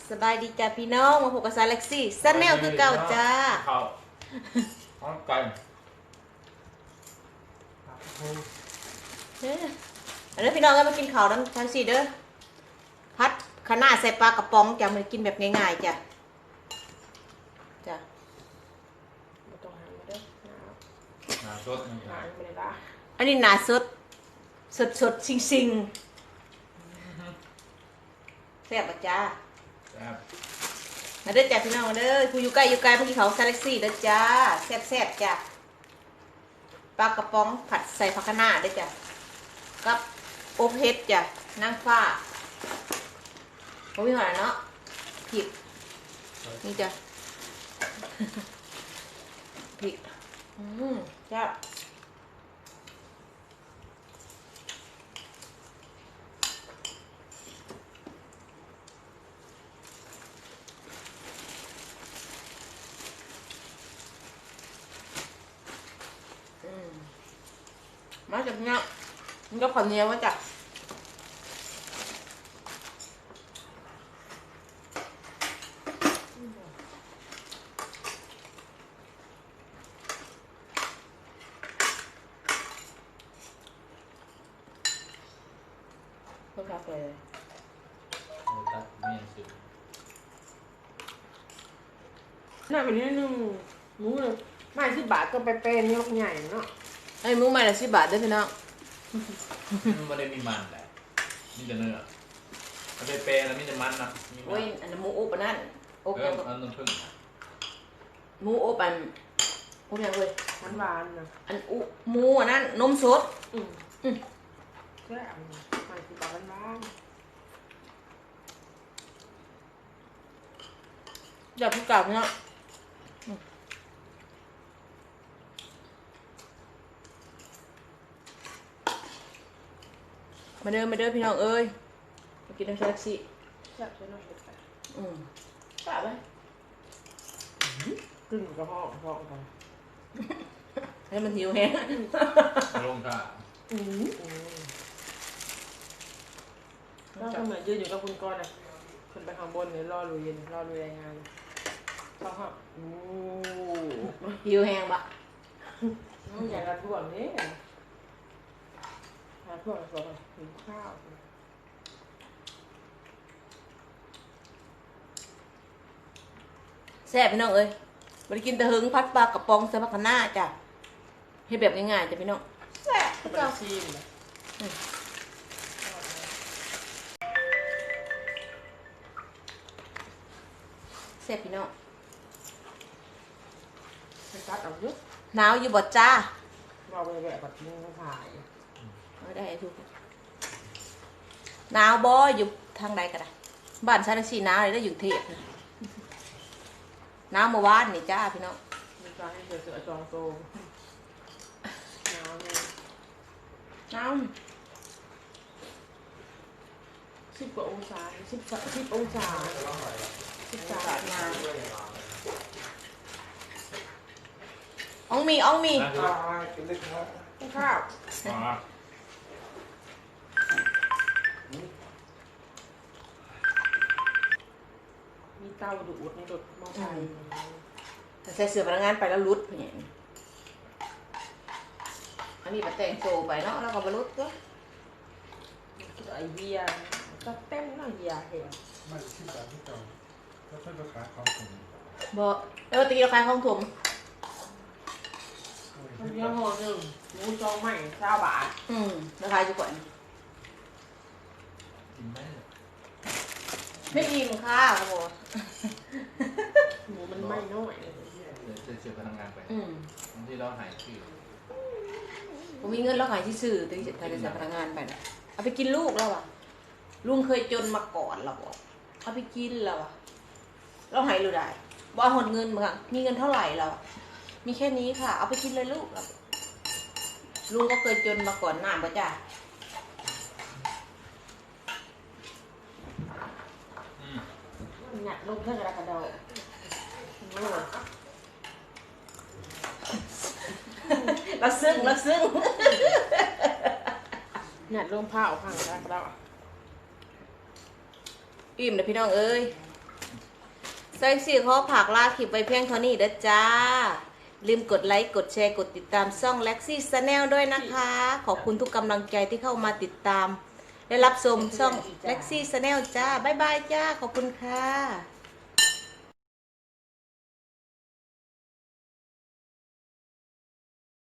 สบายดีจ้าพี่น้องมาพบกับซาเล็กซี่ซันแนลคือเก่าจ้าข้าวข้าวไก่อันนี้พี่น้องก็มากินข้าวน้ำทั้งสี่เด้อพัดคะน้าใส่ปลากระป๋องจ้ะมันกินแบบง่ายๆจ้ะจ้ะไม่ต้องหั่นมาเด้อน้ำสดนี่หั่นไปเลยละอันนี้หนาสดซิงแซ่บป่ะจ้ามาเด้อจ้าพี่น้องมาเด้อผู้อยู่ใกล้เมื่อกี้เขาซาเล็กซี่เด้อจ้าแซ่บจ้าปลากระป๋องผัดใส่ผักคะน้าเด้อจ้ากับโอเพชจ้ะนางฟ้าผมมีหอเนาะผิดนี่จ้ะผิดจ้ามาจากเนี้ยมันก็ขอนเนียวมาจากก็คาเฟ่ตัดเมี่ยงสิน่าเป็นนิดนึงหมูเลยไม่10 บาทก็ไปเป็นยกใหญ่เนาะไอ้หมูใหม่ละ10 บาทด้วยพี่น้องมันไม่ได้มีมันแหละมีแต่เนื้อมันเป็นเปรย์แล้วมีแต่มันนะมีมันโอ้ยอันนั้นหมูอบอันนั้นอบเอยัอง อันนั้นพึ่งหมูอบอันอบยังเลยหวานๆนะอันอุหมูอันนั้นนมสดแค่ไม่10 บาทบ้านอยากพูดกลับเนาะมาเดินพี่น้องเอ้ยมากินน้ำชาแท็กซี่แซ่บใช่ไหมเด็กแต่กลับไหมกึ่งกระเพาะกันให้มันหิวแห้งลงท่าก็เหมือนยืนอยู่กับคุณก้อนอ่ะขึ้นไปข้างบนเนี่ยรอลุยรายงานเขาฮะหิวแห้งปะใหญ่กระท่วงนี่กระท่วงสวยหิวข้าวแซ่บพี่น้องเอ้ยมากินแต่หึงพัดปลากระป๋องใส่ผักคะน้าจ้ะให้แบบง่ายๆจ้ะพี่น้องแซ่บเป็นเจ้าชีมเลยแซ่บพี่น้องเป็นกัดเอาเยอะหนาวอยู่บ่จ้าเราไปแบบมึงถ่ายเอาได้ทุกหนาวบ่อยู่ทางใดก็ได้บ้านชาแท็กซี่หนาวเลยได้อยู่เทพนะหนาวเมื่อวานนี่จ้าพี่น้องมีการให้เสือจองโตหนาวเนี่ยหนาว 10 กว่าองศา10 องศา13มาอ่องมีข้าว มีเตาดูดในรถมอเตอร์ไซค์แต่ใส่เสื้อพนักงานไปแล้วรุดเนี่ยอันนี้มาแต่งโซไปเนาะแล้วก็บรรุดก็ไอเบียร์ก็เต็มเนาะเบียร์เห็นไม่ที่แบบที่เก่าก็ค่อยประกาศความสูงบ่แล้วตีราคาของถมมันยังห่อหนึ่งหมูจองใหม่20 บาทราคาอยู่ก่อนกินไหมไม่อิ่มค่ะครับผมหมูมันไม่น้อยเดี๋ยวจะเชื่อพนักงานไปบางที่เราหายชื่อผมมีเงินแล้วขายที่ซื้อตีใส่พนักงานไปนะเอาไปกินลูกแล้วอ่ะลุงเคยจนมาก่อนเราบอกเอาไปกินแล้วอ่ะเราหายรู้ได้บ่หดเงินมั้งมีเงินเท่าไหร่เรามีแค่นี้ค่ะ เอาไปกินเลยลูกเราลุงก็เคยจนมาก่อนหน้าป่ะจ้าหนักลงเท่ากระดาษโอ้เราซึ่งหนักลงผ้าเอาพังได้แล้วอิ่มเลยพี่น้องเอ้ยซอยสี่ขอผักลาคลิปไว้เพียงเท่านี้เด้อจ้าลืมกดไลค์กดแชร์กดติดตามช่อง Lexi Channel ด้วยนะคะ ขอบคุณทุกกำลังใจที่เข้ามาติดตามและรับชมช่อง Lexi Channel จ้าบ๊ายบายจ้าขอบคุณค่ะ